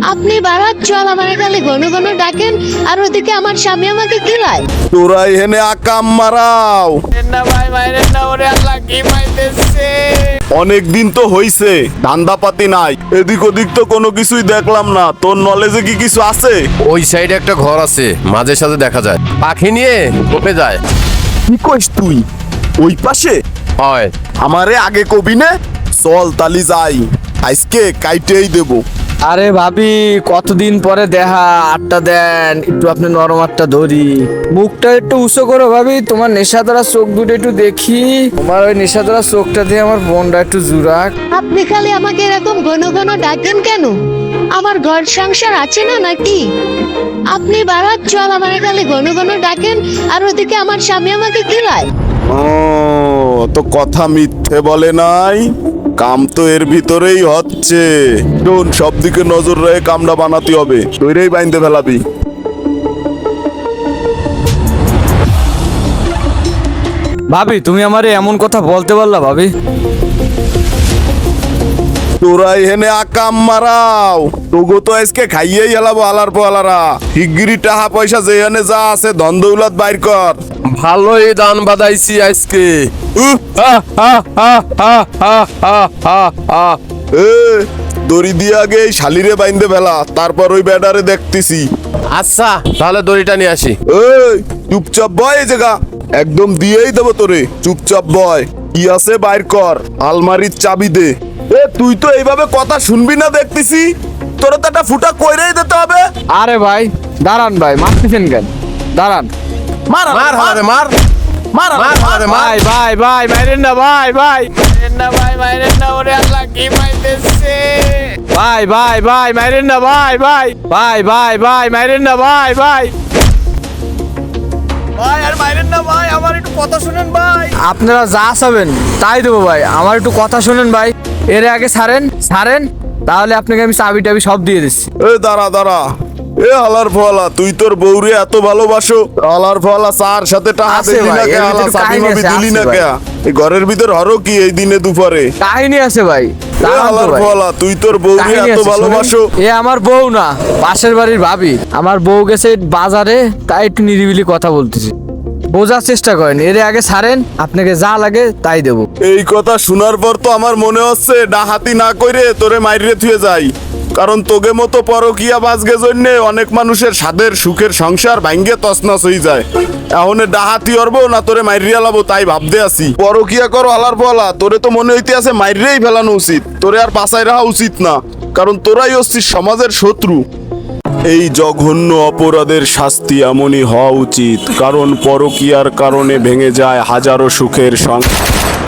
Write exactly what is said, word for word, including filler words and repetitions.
আপনি বারাত চল আমার খালি ঘন ঘন ডাকেন আর ওদিকে আমার স্বামী আমাকে কিলায়। তোরা এখানে আকাম মারাও। না ভাই মাইরে না, ওরে আল্লাহ কি মাইতেছে। অনেক দিন তো হইছে, ধান্দাপাতি নাই, এদিক ওদিক তো কোনো কিছুই দেখলাম না। তোর নলেজে কি কিছু আছে? ওই সাইডে একটা ঘর আছে, মাঝে সাঝে দেখা যায়, পাখি নিয়ে কোপে যায়। কি কইস তুই? ওই পাশে? হয়। আমারে আগে কবি নে, চল তালি যাই, আজকে কাইটেই দেবো। আরে ভাবি কতদিন পরে দেখা, আটটা দেন একটু, আপনি নরম আটটা ধরি, মুখটা একটু উঁচু করো ভাবি, তোমার নেশা দ্বারা চোখ দুটো একটু দেখি, তোমার ওই নেশা দ্বারা চোখটা দিয়ে আমার বোনটা একটু জুরাক। আপনি খালি আমাকে এরকম ঘন ঘন ডাকেন কেন? আমার ঘর সংসার আছে না নাকি? আপনি বারাত চল আমার খালি ঘন ঘন ডাকেন আর ওদিকে আমার স্বামী আমাকে কিলায়। ও তো কথা মিথ্যে বলে নাই, কাম তো এর ভিতরেই হচ্ছে। শোন, সব দিকে নজর রেখে কামটা বানাতে হবে, তৈরেই বাইন্দে ফেলাবি। ভাবি তুমি আমারে এমন কথা বলতে পারলা ভাবি? তোরা এখানে আকাম মারাও, তোগো তো আজকে খাইয়েই হেলাবো আলার পোয়ালারা। শিগগিরি টাকা পয়সা যেখানে যা আছে ধন দৌলত বাইর কর। ভালোই দান বাদাইছি আজকে। উহ, আহ, আহ, আহ, আহ, আহ, আহ, আহ, আহ। এ দড়ি দিয়ে আগে এই শালিরে বাইন্দে ফেলা, তারপর ওই ব্যাটারে দেখতেছি। আচ্ছা তাহলে দড়িটা নিয়ে আসি। এই চুপচাপ বয় এই জায়গা, একদম দিয়েই দেবো তোরে, চুপচাপ বয়। কি আছে বাইর কর, আলমারির চাবি দে। এ তুই তো এইভাবে কথা শুনবি না দেখতেছি, তোরা তো একটা ফুটা কইরেই দিতে হবে। আরে ভাই দাঁড়ান ভাই, মারতেছেন কেন? দাঁড়ান। মার মার হালারে মার, মার মার হালারে মার। ভাই ভাই ভাই মাইরেন না ভাই, ভাই মাইরেন না ভাই, মাইরেন না, ওরে আল্লাহ কি মাইতেছে। ভাই ভাই ভাই মাইরেন না ভাই, ভাই ভাই ভাই ভাই মাইরেন না ভাই, ভাই ভাই আর মাইরেন না ভাই, আমার একটু কথা শুনেন ভাই। আপনারা যা চাবেন তাই দেবো ভাই, আমার একটু কথা শুনেন ভাই। এর আগে ছাড়েন ছাড়েন, তাহলে আপনাকে আমি চাবি টাবি সব দিয়ে দিচ্ছি। এ দাঁড়া দাঁড়া, এ হালার ফলা, তুই তোর বউরে এত ভালোবাসো, হালার ফলা চার সাথে টাকা আছে দিলি না ভাই, কে? এর হালা ভিতরে চাবি কাহিনী মাবি আছে, দিলি আছে না ভাই। কে? এই ঘরের ভিতর হরো কি এই দিনে দুপুরে? কাহিনী আছে ভাই, এ দাঁড়ান তো হালার ভাই। ফলা, তুই তোর বউরে কাহিনী এত আছে, ভালোবাসো। শোনেন। এ আমার বউ না, পাশের বাড়ির ভাবি। আমার বউ গেছে বাজারে, তাই একটু নিরিবিলি কথা বলতেছি, বোঝার চেষ্টা করেন। এর আগে ছাড়েন, আপনাকে যা লাগে তাই দেবো। এই কথা শোনার পর তো আমার মনে হচ্ছে ডাহাতি না কইরে তোরে মাইরে থুয়ে যাই, কারণ তোগে মতো পরকিয়া বাজগে জন্যে অনেক মানুষের স্বাদের সুখের সংসার ভাঙ্গে তছনছ হয়ে যায়। এখন ডাহাতি অরবো না তোরে মাইরিয়া লাবো তাই ভাবতে আছি। পরকিয়া করো আলার পলা, তোরে তো মনে হইতে আছে মাইরেই ফেলানো উচিত, তোরে আর বাঁচাই রাখা উচিত না, কারণ তোরাই হচ্ছিস সমাজের শত্রু। এই জঘন্য অপরাধের শাস্তি এমনই হওয়া উচিত, কারণ পরকিয়ার কারণে ভেঙে যায় হাজারো সুখের সংসার।